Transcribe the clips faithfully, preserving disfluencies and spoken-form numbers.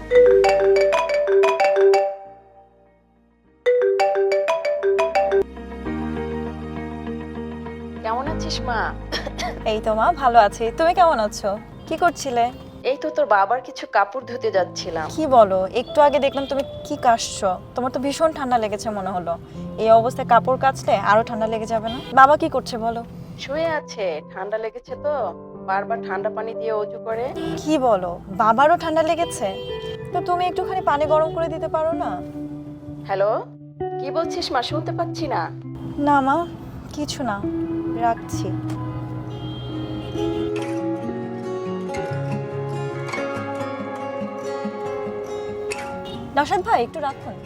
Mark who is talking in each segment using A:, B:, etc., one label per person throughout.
A: কেমন আছিস মা?
B: এই তো মা ভালো আছি, তুমি কেমন আছো? কি করছিলে?
A: এই তো তোর বাবার কিছু কাপড় ধুতে যাচ্ছিলাম।
B: কি বলো, একটু আগে দেখলাম তুমি কি কাশছো, তোমার তো ভীষণ ঠান্ডা লেগেছে মনে হলো। এই অবস্থায় কাপড় কাচলে আরো ঠান্ডা লেগে যাবে না? বাবা কি করছে বলো?
A: শুয়ে আছে, ঠান্ডা লেগেছে তো বারবার ঠান্ডা পানি দিয়ে অজু করে।
B: কি বলো, বাবারও ঠান্ডা লেগেছে? তো তুমি একটুখানি পানি গরম করে দিতে পারো না?
A: হ্যালো, কি বলছিস মা? শুনতে পাচ্ছি না।
B: না মা, কিছু না, রাখছি। নওশাদ ভাই একটু রাখুন।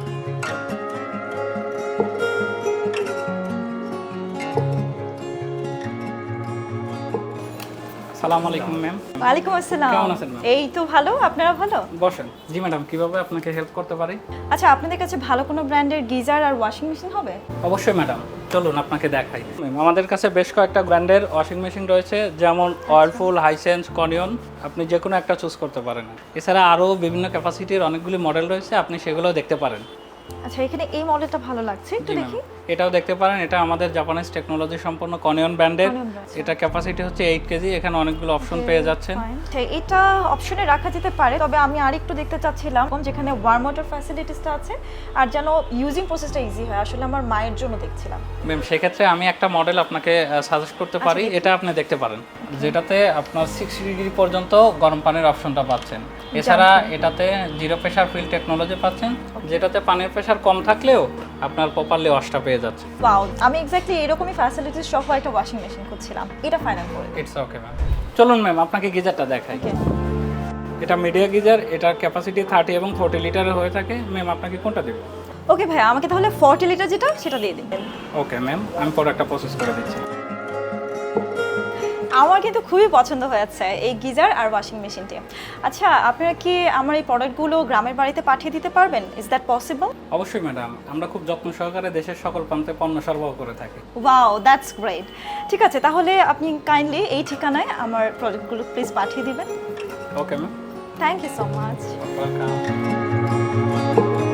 C: আসসালামু আলাইকুম ম্যাম।
B: ওয়ালাইকুম আসসালাম।
C: কেমন আছেন ম্যাম?
B: এই তো ভালো, আপনারা ভালো?
C: বসেন। জি ম্যাডাম, কিভাবে আপনাকে হেল্প করতে পারি?
B: আচ্ছা, আপনাদের কাছে ভালো কোনো ব্র্যান্ডের গিজার আর ওয়াশিং মেশিন হবে?
C: অবশ্যই ম্যাডাম, চলুন আপনাকে দেখাই। ম্যাম, আমাদের কাছে বেশ কয়েকটা ব্র্যান্ডের ওয়াশিং মেশিন রয়েছে, যেমন ওয়ারপুল, হাইসেন্স, কনিয়ন। আপনি যে কোনো একটা চুজ করতে পারেন। এছাড়া আরও বিভিন্ন ক্যাপাসিটির অনেকগুলি মডেল রয়েছে, আপনি সেগুলোও দেখতে পারেন।
B: আচ্ছা, এখানে এই মডেলটা ভালো লাগছে, একটু
C: জি ম্যাম,
B: দেখি।
C: এটাও দেখতে পারেন। এটা আমাদের জাপানিজ টেকনোলজি সম্পন্ন কনিয়ন ব্র্যান্ডের।
B: Konion brand।
C: এটা ক্যাপাসিটি হচ্ছে এইট কেজি। এখানে অনেকগুলো অপশন পেয়ে যাচ্ছেন।
B: আচ্ছা, এটা অপশনে রাখা যেতে পারে, তবে আমি আরেকটু দেখতে চাচ্ছিলাম যেখানে ওয়ার্ম ওয়াটার ফ্যাসিলিটিসটা আছে আর যেন ইউজিং প্রসেসটা ইজি হয়। আসলে আমার মায়ের জন্য দেখছিলাম।
C: ম্যাম, সেক্ষেত্রে আমি একটা মডেল আপনাকে সাজেস্ট করতে পারি। এটা আপনি দেখতে পারেন, যেটাতে আপনার সিক্সটি ডিগ্রি পর্যন্ত গরম পানির অপশনটা পাচ্ছেন। এছাড়া এটাতে জিরো প্রেশার ফিল টেকনোলজি পাচ্ছেন, যেটাতে পানির প্রেশার কম থাকলেও আপনার প্রপারলি ওয়াশটা পেয়ে যাচ্ছে।
B: ওয়াও, আমি এক্স্যাক্টলি এরকমই ফ্যাসিলিটিস সহ একটা ওয়াশিং মেশিন খুঁজছিলাম, এটা ফাইনাল করে দিন।
C: It's okay ma'am. চলুন ম্যাম, আপনাকে গিজারটা দেখাই। এটা মিডিয়া গিজার, এটার ক্যাপাসিটি থার্টি এবং ফোর্টি লিটারের হয়ে থাকে। ম্যাম, আপনাকে কোনটা দেব?
B: ওকে ভাই, আমাকে তাহলে ফর্টি লিটার যেটা সেটা দিয়ে দিবেন।
C: ওকে ম্যাম, আমি প্রোডাক্টটা প্রসেস করে দিচ্ছি।
B: আমার কিন্তু খুবই পছন্দ হয়েছে এই গিজার আর ওয়াশিং মেশিনটি। আচ্ছা, আপনারা কি আমার এই প্রোডাক্টগুলো গ্রামের বাড়িতে পাঠিয়ে দিতে পারবেন? Is that possible?
C: অবশ্যই ম্যাডাম, আমরা খুব যত্ন সহকারে দেশের সকল প্রান্তে পণ্য সরবরাহ করে থাকি।
B: Wow, that's great. ঠিক আছে, তাহলে আপনি কাইন্ডলি এই ঠিকানায় আমার প্রোডাক্টগুলো প্লিজ পাঠিয়ে দিবেন।
C: Okay ma'am,
B: thank you so much.
C: Welcome.